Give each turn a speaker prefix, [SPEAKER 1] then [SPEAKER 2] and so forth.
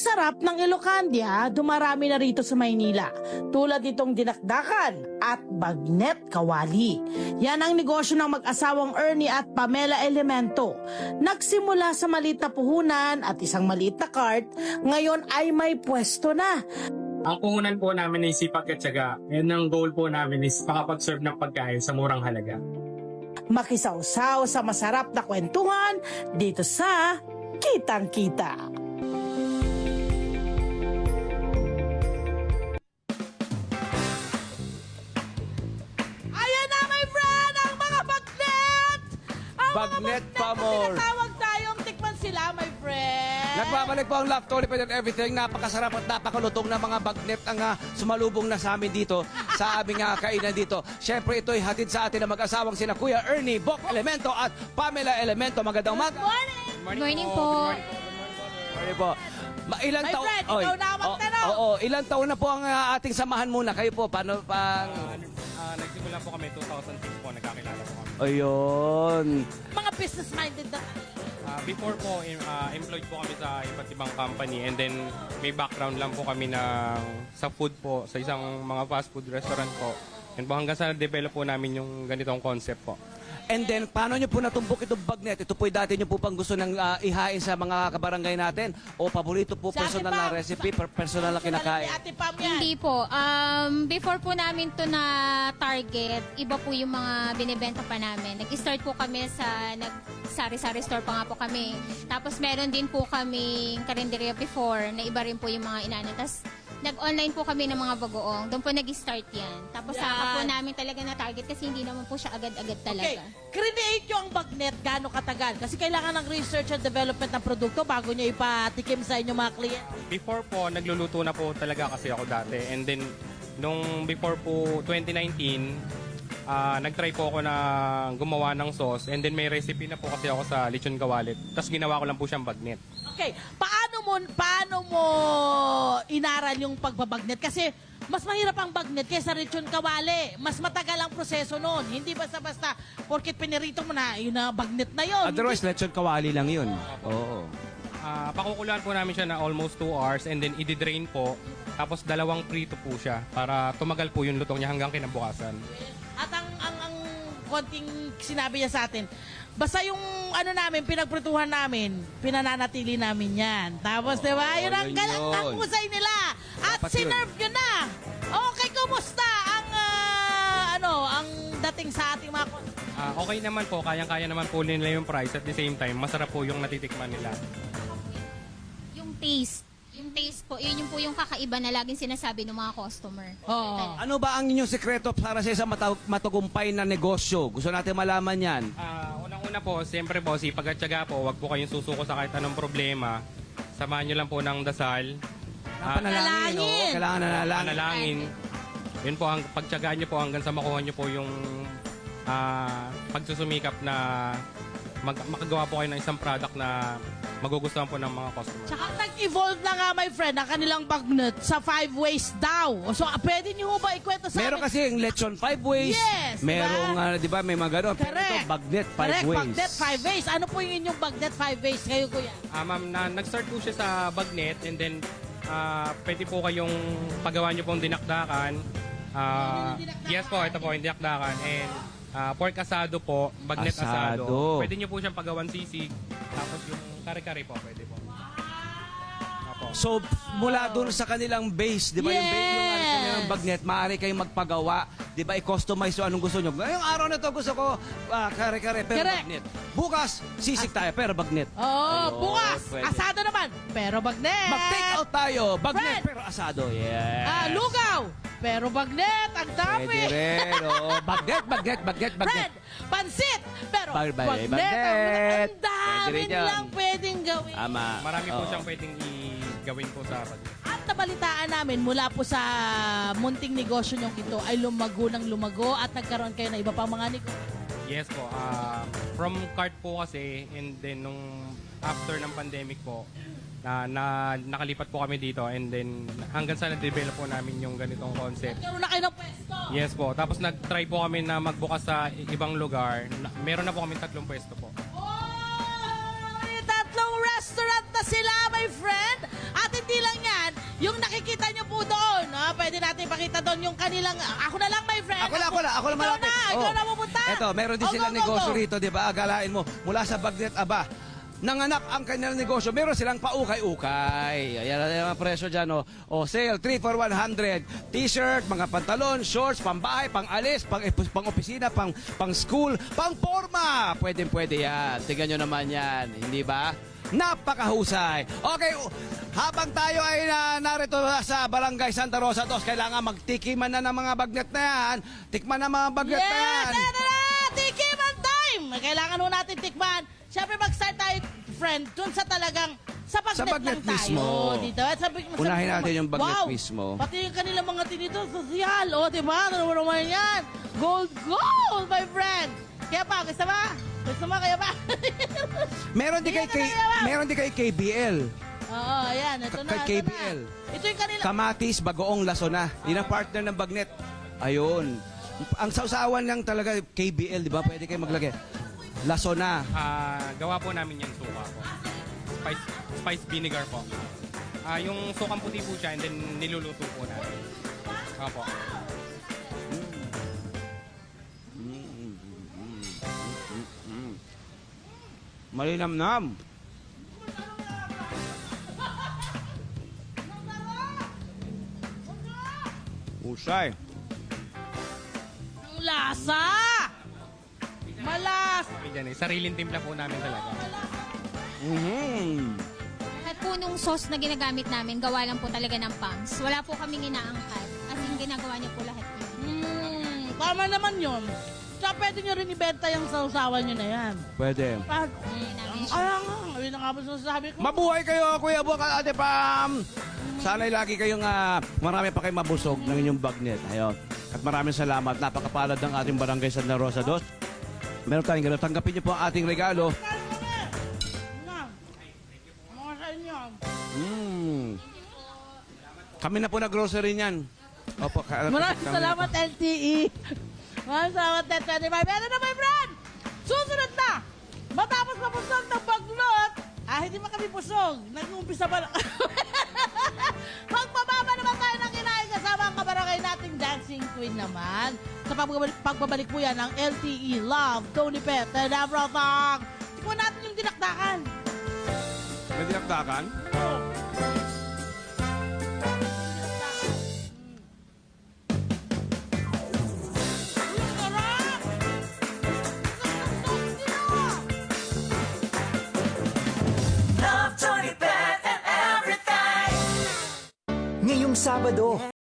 [SPEAKER 1] sarap ng Ilocania, dumarami na rito sa Maynila. Tulad nitong dinakdakan at bagnet kawali. Yan ang negosyo ng mag-asawang Ernie at Pamela Elemento. Nagsimula sa maliit na puhunan at isang maliit na cart, ngayon ay may pwesto na.
[SPEAKER 2] Ang puhunan po namin ay sipag at tiyaga. And ang goal po namin is makapag-serve ng pagkain sa murang halaga.
[SPEAKER 1] Makisawsaw sa masarap na kwentuhan dito sa Kitang Kita. Ayan na, my friend, ang mga bagnet! Ang
[SPEAKER 3] Bagnet
[SPEAKER 1] mga
[SPEAKER 3] pa more.
[SPEAKER 1] Tinatawag tayong tikman sila, my friend.
[SPEAKER 3] Nagbabalik po ang Love Tolly and everything. Napakasarap at napakalutong na mga bagnet ang sumalubong na sa amin dito sa aming kainan dito. Siyempre ito'y hatid sa atin ng mag-asawang sina Kuya Ernie Bok Elemento at Pamela Elemento. Magandang umaga.
[SPEAKER 1] Morning!
[SPEAKER 4] Morning po.
[SPEAKER 3] Morning po. Ilang
[SPEAKER 1] My
[SPEAKER 3] taon?
[SPEAKER 1] friend, ikaw na ang magtanong.
[SPEAKER 3] Oo, ilang taon na po ang ating samahan muna. Kayo po, paano pang...
[SPEAKER 2] Nagsimula po kami 2006 po, nagkakilala po kami.
[SPEAKER 3] Ayun.
[SPEAKER 1] Mga business-minded na.
[SPEAKER 2] Before po, employed po kami sa iba't ibang company and then may background lang po kami sa food po, sa isang mga fast food restaurant po. And po hanggang sa na-develop po namin yung ganitong concept po.
[SPEAKER 3] And then, paano nyo po natumbok itong bagnet? Ito po'y dati nyo po pang gusto ng ihain sa mga kabarangay natin? O paborito po,
[SPEAKER 1] Sa
[SPEAKER 3] personal
[SPEAKER 1] Ate
[SPEAKER 3] na
[SPEAKER 1] Pam.
[SPEAKER 3] recipe, personal na kinakain?
[SPEAKER 1] Ate Pam yan.
[SPEAKER 4] Hindi po. Before po namin to na target, iba po yung mga binibenta pa namin. Nag-start po kami sa sari-sari store pa nga po kami. Tapos meron din po kaming karinderya before na iba rin po yung mga inano. Tapos nag-online po kami ng mga bagoong. Doon po nag-start yan. Tapos saka po namin talaga na target kasi hindi naman po siya agad-agad talaga.
[SPEAKER 1] Okay, create nyo ang bagnet gaano katagal? Kasi kailangan ng research and development ng produkto bago nyo ipatikim sa inyong mga kliyent.
[SPEAKER 2] Before po, nagluluto na po talaga kasi ako dati. And then, nung before po 2019, nag-try po ako na gumawa ng sauce. And then may recipe na po kasi ako sa lechon gawalit. Tapos ginawa ko lang po siyang bagnet.
[SPEAKER 1] Okay, paano mo inaral yung pagbabagnet? Kasi mas mahirap ang bagnet kaysa lechon kawali. Mas matagal ang proseso noon. Hindi basta-basta porkit pinirito mo na, yun na bagnet na yun.
[SPEAKER 3] Otherwise, lechon kawali lang yun. Oo.
[SPEAKER 2] Pakukuluan po namin siya na almost 2 hours and then i-drain po. Tapos 2 prito po siya para tumagal po yung lutong niya hanggang kinabukasan.
[SPEAKER 1] At ang konting sinabi niya sa atin, basta yung namin, pinagprituhan namin, pinananatili namin yan. Tapos, di ba, yun ang
[SPEAKER 3] yun.
[SPEAKER 1] husay nila. At
[SPEAKER 3] Dapat
[SPEAKER 1] sinerve nyo na. Okay, kumusta ang dating sa ating mga
[SPEAKER 2] Okay naman po, kayang-kaya naman po nila yung price. At the same time, masarap po yung natitikman nila.
[SPEAKER 4] Yung taste. Yung taste po, yun yung po yung kakaiba na laging sinasabi ng mga customer.
[SPEAKER 1] Oo.
[SPEAKER 3] Ano ba ang inyong sekreto para sa isang matagumpay na negosyo? Gusto natin malaman yan.
[SPEAKER 2] Unang-una po, siyempre po, sipag at tiyaga po, wag po kayong susuko sa kahit anong problema. Samahan nyo lang po ng dasal.
[SPEAKER 3] Panalangin, oo. Kailangan nanalangin.
[SPEAKER 2] Panalangin. Yun po, ang pagtiyagaan nyo po hanggang sa makuha nyo po yung pagsusumikap na makagawa po kayo ng isang product na magugustuhan po ng mga customers.
[SPEAKER 1] Tsaka nag-evolve na nga, my friend, ang kanilang bagnet sa 5 ways daw. So, pwede niyo ba ikwento sa
[SPEAKER 3] Meron
[SPEAKER 1] amin?
[SPEAKER 3] kasi yung lechon 5 ways.
[SPEAKER 1] Yes,
[SPEAKER 3] Merong, di ba, may mga ganon. Pero
[SPEAKER 1] Correct.
[SPEAKER 3] ito, bagnet 5
[SPEAKER 1] Correct,
[SPEAKER 3] ways.
[SPEAKER 1] bagnet 5 ways. Ano po yung inyong bagnet 5 ways? Kayo, kuya.
[SPEAKER 2] Ma'am, nag-start po siya sa bagnet and then pwede po kayong paggawa nyo pong dinakdakan. Yes po, ito po yung dinakdakan. And pork asado po, bagnet asado.
[SPEAKER 3] Asado.
[SPEAKER 2] Pwede nyo po siyang paggawan sisig. Tapos yung kare-kare po, pwede po. Apo.
[SPEAKER 3] So, mula doon sa kanilang base, di ba, yung base yung
[SPEAKER 1] Yes.
[SPEAKER 3] kanilang bagnet, maaari kayong magpagawa, di ba, i-customize yung anong gusto nyo. Ngayong araw na to gusto ko, kare-kare, pero
[SPEAKER 1] Correct.
[SPEAKER 3] bagnet. Bukas, sisig tayo, pero bagnet.
[SPEAKER 1] Oh,
[SPEAKER 3] Ayun,
[SPEAKER 1] bukas,
[SPEAKER 3] pwede.
[SPEAKER 1] asado naman, pero bagnet.
[SPEAKER 3] Mag-take out tayo, bagnet,
[SPEAKER 1] Fred.
[SPEAKER 3] pero asado. Yes.
[SPEAKER 1] Lugaw, pero bagnet. Ang dami.
[SPEAKER 3] Pwede rin, oo. Bagnet, bagnet, bagnet, bagnet.
[SPEAKER 1] Fred, pansit, pero
[SPEAKER 3] Bagnet.
[SPEAKER 1] bagnet. Ang
[SPEAKER 3] Pwede
[SPEAKER 1] dami
[SPEAKER 3] rin yan.
[SPEAKER 1] lang pwedeng gawin.
[SPEAKER 3] Ama.
[SPEAKER 2] Marami po
[SPEAKER 3] Oo.
[SPEAKER 2] siyang pwedeng i-gawin po sa bagnet.
[SPEAKER 1] At nabalitaan namin mula po sa munting negosyo nyong ito ay lumago ng lumago at nagkaroon kayo ng iba pang mga negosyo.
[SPEAKER 2] Yes po. From cart po kasi and then nung after ng pandemic po, nakalipat po kami dito and then hanggang sa na-develop po namin yung ganitong concept.
[SPEAKER 1] Nagkaroon na kayo ng pwesto.
[SPEAKER 2] Yes po. Tapos nag-try po kami na magbukas sa ibang lugar. Meron na po kami 3 pwesto po.
[SPEAKER 1] Oh, may tatlong restaurant na sila, my friend. At hindi Yung nakikita nyo po doon, pwede natin pakita doon yung kanilang, ako na lang, my friend.
[SPEAKER 3] Ako lang
[SPEAKER 1] Ikaw
[SPEAKER 3] malapit.
[SPEAKER 1] na, ikaw na pupunta.
[SPEAKER 3] Eto, meron din
[SPEAKER 1] Oh,
[SPEAKER 3] silang
[SPEAKER 1] go, go,
[SPEAKER 3] negosyo
[SPEAKER 1] go.
[SPEAKER 3] rito, di ba? Agalain mo, mula sa Bagnet Aba, nanganak ang kanilang negosyo. Meron silang paukay-ukay. Ayan ang presyo dyan, oh. O, sale, 3 for 100. T-shirt, mga pantalon, shorts, pambahay, pang-alis, pang-opisina, pang-school, pang-forma. Pwede yan. Tingnan nyo naman yan. Hindi ba? Napakahusay. Okay, habang tayo ay narito sa Barangay Santa Rosa 2, kailangan magtikiman na ng mga bagnet na yan. Tikman na mga bagnet na yan.
[SPEAKER 1] Yes, eto na! Tikiman time! Kailangan ho natin tikman. Siyempre mag-start tayo, friend, dun sa talagang, sa bagnet,
[SPEAKER 3] bagnet
[SPEAKER 1] lang tayo.
[SPEAKER 3] mismo.
[SPEAKER 1] Dito.
[SPEAKER 3] Unahin natin yung bagnet
[SPEAKER 1] wow,
[SPEAKER 3] mismo.
[SPEAKER 1] Pati yung kanilang mga tinito, sosyal. O, diba? Ano naman yan? Gold, gold, my friend. Kaya pa, gusto ba? Gusto mo, kaya ba?
[SPEAKER 3] Meron din kay KBL.
[SPEAKER 1] Oo, ayan. Ito na,
[SPEAKER 3] Kay
[SPEAKER 1] ito na.
[SPEAKER 3] KBL.
[SPEAKER 1] Ito yung kanila.
[SPEAKER 3] Kamatis, Bagoong Lasona. Yun ang partner ng bagnet. Ayun. Ang sausawan lang talaga KBL, di ba? Pwede kayo maglagay. Lasona.
[SPEAKER 2] Gawa po namin yan suka po. Spice vinegar po. Yung sukang puti po siya and then niluluto po natin. Opo.
[SPEAKER 3] Malinamnam. Usay.
[SPEAKER 1] Ang lasa! Malas!
[SPEAKER 2] Yan, sariling timpla po namin talaga.
[SPEAKER 4] At po nung sauce na ginagamit namin, gawa lang po talaga ng pams. Wala po kaming inaangkat. As in, ginagawa niyo po lahat yun.
[SPEAKER 1] Tama naman yun. Tsaka pwede nyo rin ibenta yung sausawan nyo na yan.
[SPEAKER 3] Pwede.
[SPEAKER 1] Kaya nga, yun na nga ba sinasabi ko?
[SPEAKER 3] Mabuhay kayo, Kuya Buwak at Ate Pam! Sana'y lagi kayong marami pa kayong mabusog ng inyong bagnet. Ayun. At maraming salamat. Napakapalad ng ating Barangay Santa Rosa 2. Meron tayong gano'n. Tanggapin niyo po ang ating regalo.
[SPEAKER 1] Mga sa inyo.
[SPEAKER 3] Kami na po na-grocery niyan. Opo.
[SPEAKER 1] Maraming salamat, LTE. Maraming salamat, Net25. Meron na, my friend! Susunod na! Matapos mapusog ng baglot, hindi man kami pusog. Nag-uumpisa pa lang. Magpababa naman tayo ng kinain kasama ang kabarangay nating dancing queen naman. Sa pagbabalik po yan ng LTE Love, Tony Pet, and everything. Tingnan natin yung dinakdakan.
[SPEAKER 3] May dinakdakan?
[SPEAKER 1] Oh.
[SPEAKER 5] Ngayong Sabado,